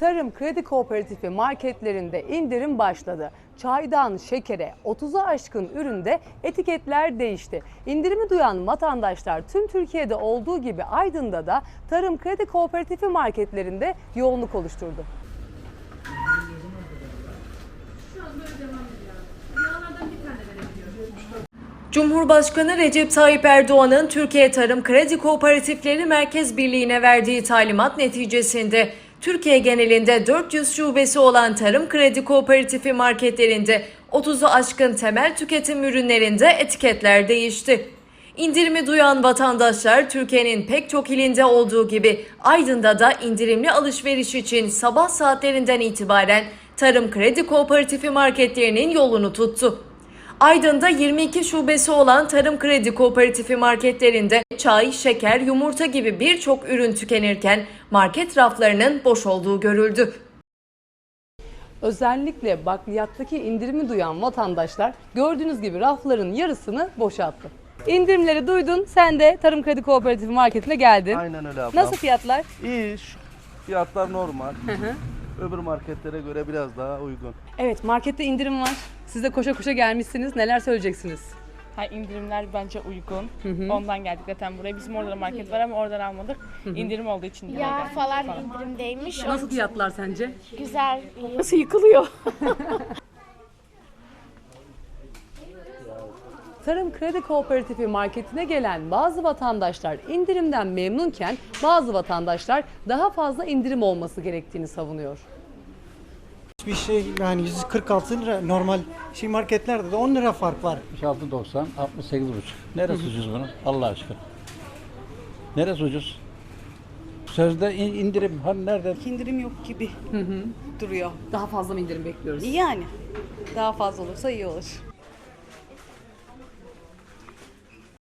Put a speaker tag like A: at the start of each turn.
A: Tarım Kredi Kooperatifi marketlerinde indirim başladı. Çaydan şekere 30'a aşkın üründe etiketler değişti. İndirimi duyan vatandaşlar tüm Türkiye'de olduğu gibi Aydın'da da Tarım Kredi Kooperatifi marketlerinde yoğunluk oluşturdu.
B: Cumhurbaşkanı Recep Tayyip Erdoğan'ın Türkiye Tarım Kredi Kooperatifleri Merkez Birliği'ne verdiği talimat neticesinde Türkiye genelinde 400 şubesi olan Tarım Kredi Kooperatifi marketlerinde 30'u aşkın temel tüketim ürünlerinde etiketler değişti. İndirimi duyan vatandaşlar Türkiye'nin pek çok ilinde olduğu gibi Aydın'da da indirimli alışveriş için sabah saatlerinden itibaren Tarım Kredi Kooperatifi marketlerinin yolunu tuttu. Aydın'da 22 şubesi olan Tarım Kredi Kooperatifi marketlerinde çay, şeker, yumurta gibi birçok ürün tükenirken market raflarının boş olduğu görüldü.
A: Özellikle bakliyattaki indirimi duyan vatandaşlar gördüğünüz gibi rafların yarısını boşalttı. İndirimleri duydun, sen de Tarım Kredi Kooperatifi marketine geldin.
C: Aynen öyle ablam.
A: Nasıl fiyatlar?
C: İyi, fiyatlar normal. Öbür marketlere göre biraz daha uygun.
A: Evet, markette indirim var. Siz de koşa koşa gelmişsiniz. Neler söyleyeceksiniz?
D: Ha, indirimler bence uygun. Ondan geldik zaten buraya. Bizim orada da market var ama oradan almadık. İndirim olduğu için de
E: Yağ falan indirimdeymiş.
A: Nasıl fiyatlar sence?
E: Güzel.
D: Nasıl yıkılıyor?
A: Tarım Kredi Kooperatifi marketine gelen bazı vatandaşlar indirimden memnunken bazı vatandaşlar daha fazla indirim olması gerektiğini savunuyor.
F: Bir şey yani 146 lira normal marketlerde de 10 lira fark var.
G: 66.90, 68.5. Neresi ucuz bunun? Allah aşkına. Neresi ucuz? Sözde indirim. Hani nerede?
H: İndirim yok gibi duruyor.
A: Daha fazla mı indirim bekliyoruz?
H: Yani daha fazla olursa iyi olur.